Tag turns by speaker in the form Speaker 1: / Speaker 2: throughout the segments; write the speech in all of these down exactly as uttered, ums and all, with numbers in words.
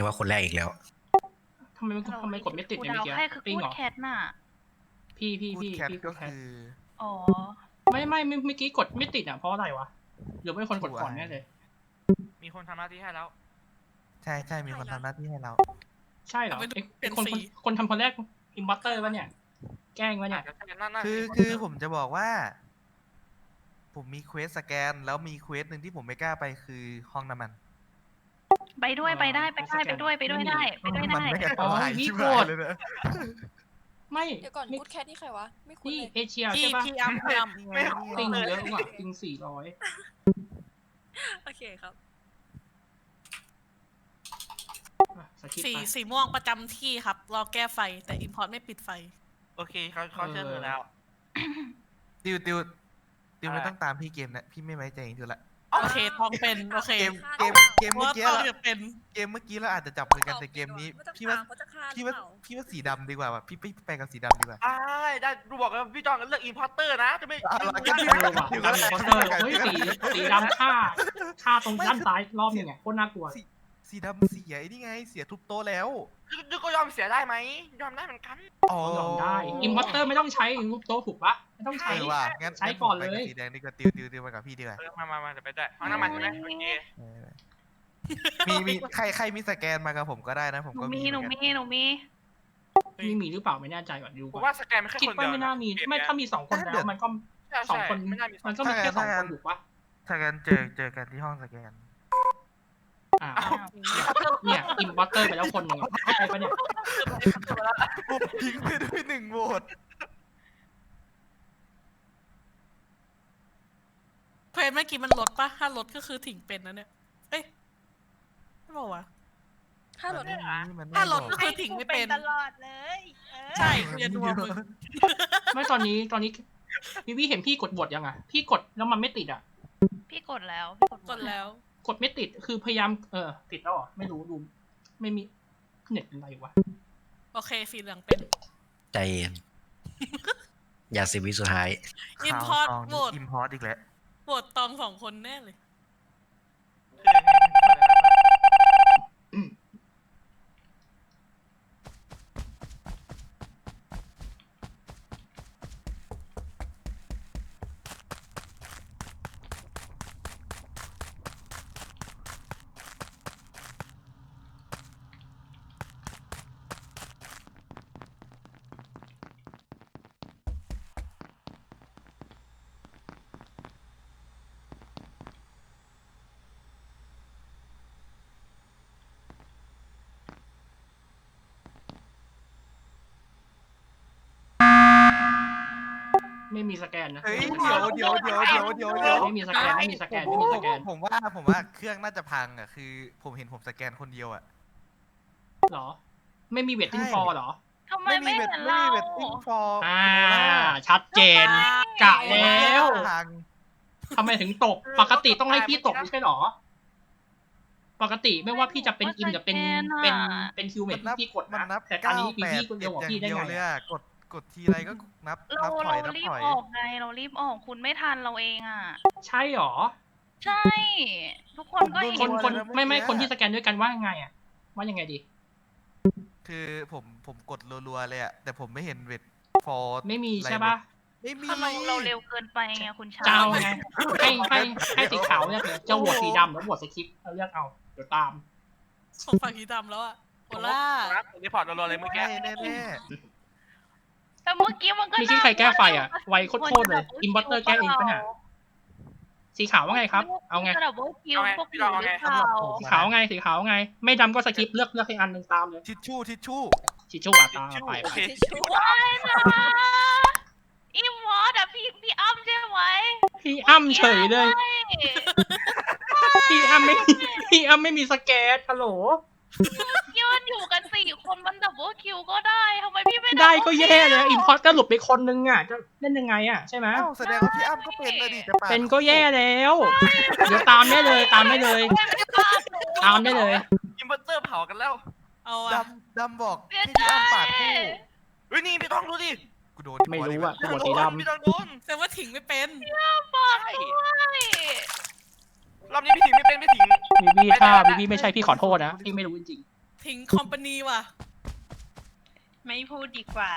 Speaker 1: กว่าคนแรกอีกแล้ว
Speaker 2: ทำไมมันทำไมกดไม่ติดในเมื่อกี้
Speaker 3: ใครคือ
Speaker 2: ปิ้ง
Speaker 3: กูด
Speaker 2: เหรอ
Speaker 3: แคทน่ะ
Speaker 2: พี่พี่
Speaker 4: พูด
Speaker 2: พี่
Speaker 4: แคท
Speaker 2: พี่
Speaker 4: ก็
Speaker 2: แคท
Speaker 4: คือ
Speaker 3: อ๋อ
Speaker 2: ไม่ไม่เมื่อกี้กดไม่ติดอ่ะเพราะอะไรวะหรือไม่คนกดก่อนแน่เลย
Speaker 5: มีคนทำหน้าที่ให้แล้ว
Speaker 4: ใช่ใช่มีคนทำหน้าที่ให้เรา
Speaker 2: ใช่เหรอ
Speaker 6: เป็น
Speaker 2: ไอ้
Speaker 6: เป็น
Speaker 2: คน
Speaker 6: สี
Speaker 2: คนคนทำคนแรกอิมบัตเตอร์วะเนี่ยแกล้งวะเนี่ย
Speaker 4: คือคือผมจะบอกว่า ผมมีเควสสแกนแล้วมีเควสหนึ่งที่ผมไม่กล้าไปคือห้องน้ำมัน
Speaker 3: ไปด้วยไปได้ไปได้ไปด้วยไปด้วยได้ไปด้วย
Speaker 4: มัน
Speaker 3: ได้
Speaker 4: ไม่อันตรายชิบหายเลยนะ
Speaker 2: ไม่
Speaker 7: เดี๋ยวก่อน
Speaker 2: นี่
Speaker 7: กูดแคทนี่ใครวะ ไม่คุ้น
Speaker 2: นี่
Speaker 7: เลย
Speaker 2: เอเชีย
Speaker 6: พี่
Speaker 2: ใช่ปะ
Speaker 6: พี่อัมพี่อัม
Speaker 4: ไม่
Speaker 2: ติงเยอะกว่าติงสี่ร้อย
Speaker 7: โอเคครับ
Speaker 2: สคริปต์
Speaker 6: สี
Speaker 2: ไป
Speaker 6: สีม่วงประจำที่ครับ รอแก้ไฟแต่อิมพอร์ตไม่ปิดไฟ
Speaker 5: โอเคเขาเขาเชื่อเธอแล้ว
Speaker 4: ติวติวติวไม่ต้องตามพี่เกมนะพี่ไม่ไว้ใจติวละ
Speaker 6: โอเคทองเป็นโอเค
Speaker 4: เกมเกมเกม
Speaker 6: เพ
Speaker 4: เมื่
Speaker 6: ราะ
Speaker 4: อ
Speaker 6: ว่า
Speaker 4: กี้
Speaker 6: ทอง
Speaker 4: เรา
Speaker 6: จะเป็น
Speaker 4: เกมเมื่อกี้เราอาจจะจับมือกันแต่เกมนี้ พี่ว่าพี่ว่าพี่ว่าสีดำดีกว่าว่ะพี่พี่ไปกับสีดำดีกว่า
Speaker 5: อ่าได้ดูบอกแล้วพี่จองเลือกอินพอร์เตอร์นะจะไม่
Speaker 4: อ่ะ
Speaker 5: ไม่
Speaker 4: ก็
Speaker 5: รู้
Speaker 4: ดี
Speaker 5: ได้
Speaker 2: เออว่ะดำคอนเตอร์เฮ้ยสีสีดำฆ่าฆ่าตรงด้านซ้ายรอบนึงเนี่ยโคตรน่ากลัว
Speaker 4: สีสีดำเสียไอ้นี่ไงเสียทุบโต๊ะแล้ว
Speaker 5: ยูก็ยอมเสียได้ไหมยอมได้เหมือนกัน
Speaker 4: อ๋อย
Speaker 2: อมได้อิมพัตเตอร์ไม่ต้องใช้รูปโต๊ะถูกปะไม่ต้อง
Speaker 4: เอ
Speaker 2: ใช้
Speaker 4: อว่ะงั้น
Speaker 2: ใช้ก่อนเลย
Speaker 4: งั้ผมไปบสีแดงดีกว่าติวติวติวไปกับพี่ดีกว่า
Speaker 5: เออมามามาเดี๋ยวไปได้ห้องน้ำมันใช่ไหมโอเค
Speaker 4: เออมีมีใครใครมีสแกนมากับผมก็ได้นะผม
Speaker 3: หนู
Speaker 4: ก็
Speaker 3: มี
Speaker 4: มี
Speaker 3: หนู
Speaker 4: เหมือน
Speaker 3: มี
Speaker 4: กัน
Speaker 3: หนูมี
Speaker 2: มีมีหรือเปล่าไม่แน่ใจก่อนดู
Speaker 5: ผ
Speaker 2: ก่อ
Speaker 5: ม
Speaker 2: น
Speaker 5: ว่าสแกนไม่แค่
Speaker 2: คิด
Speaker 5: คน
Speaker 2: ว่า
Speaker 5: เดียว
Speaker 2: ไม่น่ามีไม่ถ้ามีสองคนแล้วมันก็
Speaker 5: ใช่
Speaker 2: สอง
Speaker 5: ใช่
Speaker 2: คน
Speaker 5: ไม่น่ามีสอง
Speaker 2: มันก็มีแค่สองคนถูกปะ
Speaker 4: สแกนเจอเจอกันที่ห้องสแกน
Speaker 2: อ่าเนี่ยอิมพัตเตอร์ไปแล้วคนหนึ่งเข้าใจปะเนี่ย
Speaker 4: ผมทิ้งไปด้วยหนึ่งโหวต
Speaker 6: เพนเมื่อกี้มันลดปะถ้าลดก็คือถิงเป็นนะเนี่ยเอ้ยไม่บอกว่า
Speaker 7: ถ้ารถ
Speaker 4: มันไม่มันไม่
Speaker 6: ถ้าลด
Speaker 4: บ
Speaker 6: ก็
Speaker 4: อก
Speaker 6: คือถิงไม่เป็น
Speaker 3: ตลอดเลยเออ
Speaker 6: ใช่กูจะดูมึง
Speaker 2: ไม่ตอนนี้ตอนนี้วิวิเห็นพี่กดบทยังอ่ะพี่กดแล้วมันไม่ติดอ่ะ
Speaker 3: พี่กดแล้วพี่กดหม
Speaker 6: ก
Speaker 3: ด
Speaker 6: ดแล้ว
Speaker 2: กดไม่ติดคือพยายามเออติดแล้วเหรอไม่รู้ดูไม่มีเน็ตเป็นไรวะ
Speaker 6: โอเคสีเหลืองเป็น
Speaker 1: ใจเย็น อย่าสิบวิสุดท้าย
Speaker 6: อิมพอร์ต
Speaker 4: ข่าว
Speaker 6: โหวต
Speaker 4: อิมพอร์ตอีกแล้ว
Speaker 6: โหวตตองสองคนแน่เลย
Speaker 2: ไม่มีสแกนนะ
Speaker 4: เฮ้ยเดี๋ยวเดี๋ยวเดี๋ยวเดี๋ยวเดี๋ยวเดี๋ยว
Speaker 2: ไม่มีสแกนไม่มีสแกนไม่มีสแกน
Speaker 4: ผมว่าผมว่าเครื่องน่าจะพังอ่ะคือ ผมเห็นผมสแกนคนเดียวอ่ะ
Speaker 2: หรอ ไม่มีเวทติ้งฟอร์หรอ
Speaker 3: ทำไมไม่
Speaker 4: เว
Speaker 3: เห็
Speaker 4: ท
Speaker 3: น
Speaker 4: ไม่
Speaker 3: เรา
Speaker 4: มีเวทติ้งฟอร์
Speaker 2: อ่า ชัดเจน กะแล้ว
Speaker 4: พัง
Speaker 2: ทำไมถึงตก ปกติต้องให้พี่ตกไม่ใช่หรอ ปกติไม่ว่าพี่จะเป็นอิมจะเป็นเป็นเป็นคิวเมทที่พี่กด
Speaker 4: มันนั
Speaker 2: นะ
Speaker 4: บ
Speaker 2: แต่ตอน
Speaker 4: เก้า
Speaker 2: นี้พี่
Speaker 4: แปด
Speaker 2: พี่คนเดี
Speaker 4: เจ็
Speaker 2: ย
Speaker 4: ด
Speaker 2: วของ
Speaker 4: อย่าง
Speaker 2: พี่ได้
Speaker 4: เดียว
Speaker 2: ไง
Speaker 4: เลยอ่ะกดกดทีไรก็นับ
Speaker 3: เรา
Speaker 4: นับถอย
Speaker 3: เรา
Speaker 4: นับ
Speaker 3: รี
Speaker 4: ถ
Speaker 3: บ
Speaker 4: อย
Speaker 3: ออกไงเรารีบออกคุณไม่ทันเราเองอ่ะ
Speaker 2: ใช่หรอ
Speaker 3: ใช่ ทุกคนก็
Speaker 2: ค
Speaker 3: เห็
Speaker 2: น
Speaker 3: น
Speaker 2: คนไม่ไม่คนที่สแกนด้วยกันว่าไงอ่ะ ว่ายังไงดี
Speaker 4: คือผมผมกดรัวๆเลยอ่ะแต่ผมไม่เห็นเวทฟอร์
Speaker 2: ไม่มีใช่ปะ
Speaker 4: ไม่มี
Speaker 3: เราเราเร็วเกินไปไงคุณชา
Speaker 2: จะเอาไงให้ให้ให้สีขาวเลือกเลยจะโหวตสีดำหรือโหวตสคริปต์เราเลือกเอาเดี๋ยวตาม
Speaker 6: ส่งฝั่งสีดำแล้วอะโอล่า
Speaker 5: รีพอร์ตรัวๆเลยเมื่อกี้
Speaker 4: แน่แน่
Speaker 3: แต่เมื่อกี้มันก็
Speaker 2: มีที่ใครแก้ไฟอ่ะ ไวโคตรๆเลย อินเวอร์เตอร์แก้เองปะเนี่ย สีขาวว่าไงครับ เอาไง
Speaker 3: ดับเบิลคิวพวกอยู่หรือเปล่า
Speaker 2: สีขาวไง สีขาวไง ไม่ดำก็สคริปต์เลือกเลือกให้อันหนึ่งตามเลย
Speaker 4: ทิชชู่ทิชชู่
Speaker 2: ชิชชู่อ่ะตามไป
Speaker 5: โอเค
Speaker 3: ว้ายนะอิมวอร์ดอะพี่พี่อ้ำใช่ไหม
Speaker 2: พี่อ้ำเฉยเลย พี่อ้ำไม่ พี่อ้ำไม่มีสแกนฮัลโหล
Speaker 3: ยืนอยู่กันสี่คนมันดับเบิลคิวก็ได้ทำไมพี่ไม่
Speaker 2: ได้ก็แย่เลยอินพอร์ตก็หลุดไปคนนึงอ่ะ จะเล่นยังไงอ่ะใช่ไหม
Speaker 4: อ้าวแสดงว่าพี่อ้ำก็เป็นนะดิจะปาด
Speaker 2: เป็นก็แย่แล้ว เดี๋ยวตามได้เลย ตามได้เลย ตามได้เลย
Speaker 5: อินเวอร์เตอร์เผากันแล้ว
Speaker 6: เอา
Speaker 4: ด
Speaker 6: อะ
Speaker 4: ำดำบอก
Speaker 3: เสีย
Speaker 4: ให้
Speaker 3: ใจ
Speaker 4: พี่อ้ำปาดคู่
Speaker 5: เฮ้ยนี่พี่ต้องดูดิ
Speaker 4: กูโดน
Speaker 2: ไม่รู้อ่ะ
Speaker 5: พี่
Speaker 2: หั
Speaker 5: ต้
Speaker 2: ว
Speaker 5: อง
Speaker 2: สี
Speaker 5: โดน
Speaker 2: ดำ
Speaker 5: พี่ต้องโดน
Speaker 6: แต่ว่าถิงไม่เป็น
Speaker 3: บอก
Speaker 5: ใช่
Speaker 3: ด้วย
Speaker 5: รอบนี้พี่ถิงไม่เป็นพี่ถิง
Speaker 2: บีบีถ้าบีบีไม่ใช่พี่ขอโทษนะ พี่ไม่รู้จริง
Speaker 6: ถิงคอมพานีว่ะ
Speaker 3: ไม่พูดดีกว่า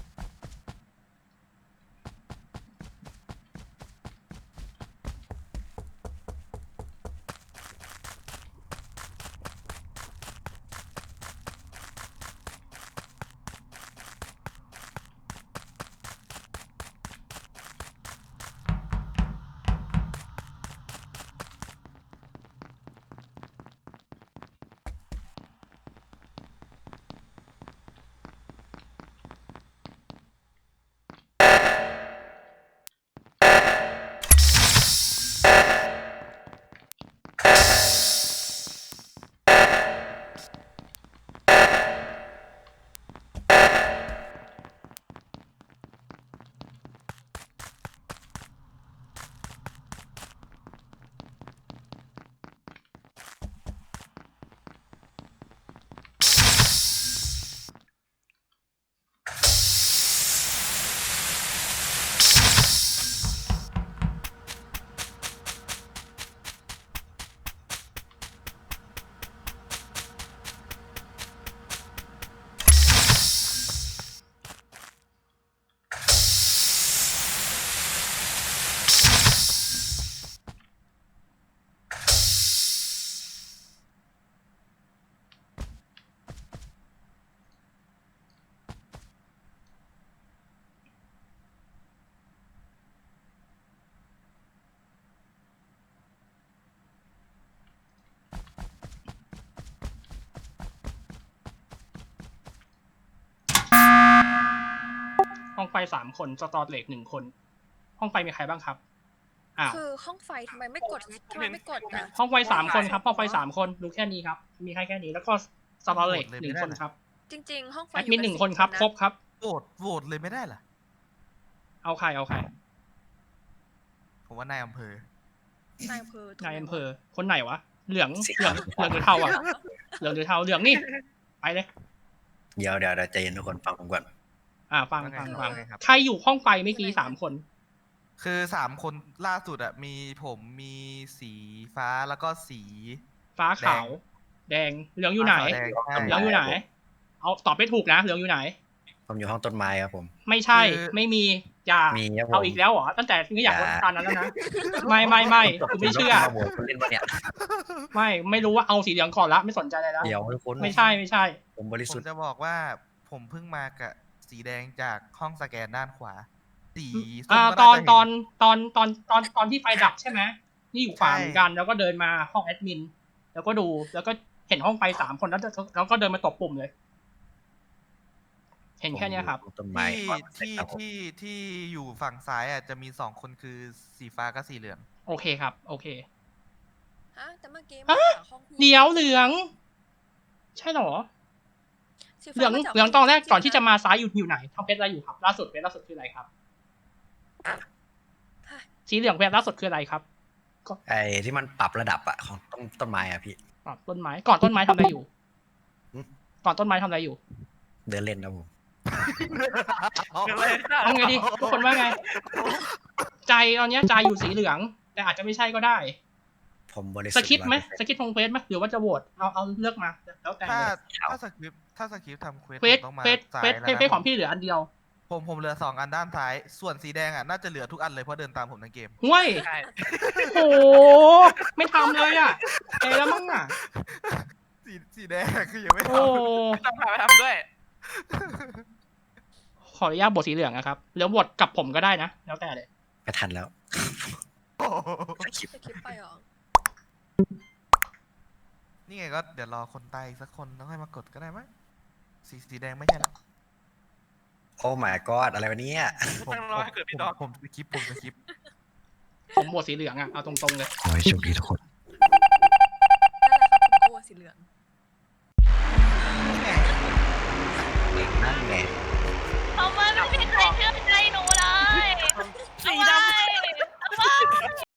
Speaker 2: ห้องไฟสามคนสตอร์เหล็กหนึ่งคน ห้องไฟมีใครบ้างครับอ้าว
Speaker 7: คือห้องไฟทำไมไม่กดทำไมไม่กดอ่ะ
Speaker 2: ห้องไฟสามคนครับห้องไฟสามคนรู้แค่นี้ครับ มีใครแค่นี้แล้วก็สตอร์เหล็กหนึ่งคนครับ
Speaker 7: จริง ๆ ห้องไฟ
Speaker 2: แอดมินหนึ่งคนครับครบครับ
Speaker 4: โหวตโหวตเลยไม่ได้เหรอ
Speaker 2: เอาใครเอาใคร
Speaker 4: ผมว่านายอำเภอ
Speaker 7: นายอำเภอน
Speaker 2: ายอำเภอคนไหนวะเหลืองเหลืองเหลืองหรือเทาอ่ะเหลืองหรือเทาเหลืองนี่ไปเลย
Speaker 1: เดี๋ยวเดี๋ยวเดี๋ยวใจเย็นทุกคนฟังผมก่อน
Speaker 2: อ่าฟัง
Speaker 4: ว่าไง
Speaker 2: ฟัง
Speaker 4: ครับ
Speaker 2: ฟัง
Speaker 4: ว่าไงครับ
Speaker 2: ใครอยู่ห้องไฟเมื่อกี้สามคน
Speaker 4: คือสามคนล่าสุดอะมีผมมีสีฟ้าแล้วก็สี
Speaker 2: ฟ้าขาว แดงเหลืองอยู่ไหน
Speaker 4: ฟ้าขาวแดงใช่
Speaker 2: เหลืองอยู่ไหน เอาตอบไม่ถูกนะเหลืองอยู่ไหน
Speaker 1: ผมอยู่ห้องต้นไม้ครับผม
Speaker 2: ไม่ใช่
Speaker 4: คือ
Speaker 2: ไม่มีอย่า
Speaker 1: มีครับผม
Speaker 2: เอาอีกแล้วเหรอตั้งแต่ที่อยาก
Speaker 1: อย่า
Speaker 2: ว่าตอนนั้นแล้วนะไม่ไม่ไม่กูไม่เชื่อ
Speaker 1: โหวตคุณเล่นปะเนี่ย
Speaker 2: ไม่ไม่รู้ว่าเอาสีเหลืองก่อนละไม่สนใจอะไรแล้ว
Speaker 1: เดี๋ยวทุกคน
Speaker 2: ไม่ใช่ไม่ใช่
Speaker 1: ผมบริ
Speaker 4: ผ
Speaker 1: สุ
Speaker 4: ม
Speaker 1: ทธิ์
Speaker 4: จะบอกว่าผมเพิ่งมากับสีแดงจากห้องสแกนด้านขวา สีส้ม
Speaker 2: อ่า
Speaker 4: ก็
Speaker 2: ตอน
Speaker 4: าจะเห็
Speaker 2: ตอนตอนตอนตอนตอนที่ไฟดับใช่ไหมนี่อยู่ขวา
Speaker 4: ใช่
Speaker 2: เหมือนกัน แล้วก็เดินมาห้องแอดมิน แล้วก็ดูแล้วก็เห็นห้องไฟสามคนแล้วแล้วก็เดินมาตบปุ่มเลย เห็นแค่เนี้ยครับ
Speaker 1: ผมอยู่ห้องต้นไม้
Speaker 4: ที่
Speaker 1: ก่อนเสร็จ
Speaker 4: ที่
Speaker 1: ครับผม
Speaker 4: ที่ที่อยู่ฝั่งซ้ายอ่ะจะมีสองคนคือสีฟ้ากับสีเหลือง
Speaker 2: โอเคครับ โอเค
Speaker 7: ฮะแต่เมื่อกี้
Speaker 2: ฮะ
Speaker 7: มาจากห้องพี่
Speaker 2: เดี๋ยวเหลือง ใช่เหรอ
Speaker 7: สี
Speaker 2: เหลื
Speaker 7: ฟ้า
Speaker 2: อง
Speaker 7: มาจาก
Speaker 2: เหลืองตอนแรก
Speaker 7: ห้
Speaker 2: ก่อนที่
Speaker 7: พี่
Speaker 2: จะมาซ้ายอยู่อยู่ไหนทำเพชรอะไรอยู่ครับ ล่าสุดเพชรล่าสุดคืออะไรครับ สีเหลืองเพชรล่าสุดคืออะไรครับ
Speaker 1: ไอ้ที่มันปรับระดับอะของต้นต้นไม้อะพี่
Speaker 2: ก่อนต้นไม้ ก่อนต้นไม้ทำอะไรอยู่
Speaker 1: หืม
Speaker 2: ก่อนต้นไม้ทำอะไรอยู่
Speaker 1: เดินเล่นนะผม
Speaker 2: เอาไงดีทุกคนว่าไง ใจตอนเนี้ยใจอยู่สีเหลือง แต่อาจจะไม่ใช่ก็ได้
Speaker 1: ผมบริสุท
Speaker 2: ส
Speaker 1: ธิ์
Speaker 2: คริปต์ไหม
Speaker 1: ร้อยเปอร์
Speaker 2: ส
Speaker 1: เซ็นต์
Speaker 2: คริปต์ของเฟสไหมหรือว่าจะโหวตเอาเอาเลือกมา แล้วแต่
Speaker 4: ถ้า
Speaker 2: เลย
Speaker 4: ถ้าสคริปต์ถ้าสคริปต์ทำเควส
Speaker 2: เฟส
Speaker 4: ผมต้องมา
Speaker 2: เฟส
Speaker 4: ซ้าย
Speaker 2: เฟส
Speaker 4: แล้ว
Speaker 2: เฟส
Speaker 4: นะ
Speaker 2: ของพี่เหลืออันเดียว
Speaker 4: ผมผมเหลือสองอันด้านซ้าย ส่วนสีแดงอ่ะน่าจะเหลือทุกอันเลยเพราะเดินตามผมทั้งเกม
Speaker 2: ห้วย
Speaker 5: ใช่
Speaker 2: โอ้โหไม่ทำเลยอ่ะเอแล้วมั้งอ่ะ
Speaker 4: สีสีแดงคือยังไม่
Speaker 2: โอ้
Speaker 4: ทำ
Speaker 5: ต้องพาไปทำด้วย
Speaker 2: ขออนุญาตบทสีเหลืองนะครับหรือบทกับผมก็ได้นะ แล้วแต่เลย
Speaker 1: ไม่ทันแล้ว
Speaker 4: โอ้โห
Speaker 1: สคริปต์
Speaker 7: สคริปต์ไปเหรอ
Speaker 4: นี่ไงก็เดี๋ยวรอคนตายอีกสักคนต้องให้มากดก็ได้มั้ยสีสีแดงไม่ใช่หรอ
Speaker 1: โอ้ my god อะไรวะเนี่ย
Speaker 4: ผม
Speaker 5: ต้องรอให้เกิดพี่ดอก
Speaker 4: ผมผมสคริปต์ผมสคริปต์
Speaker 2: ผมบทสีเหลืองอ่ะเอาตรงๆเลย
Speaker 1: ขอให้โชคดีทุกคน
Speaker 7: นั่นแหละครับผมกลัวสีเหลือง
Speaker 1: นั่นไง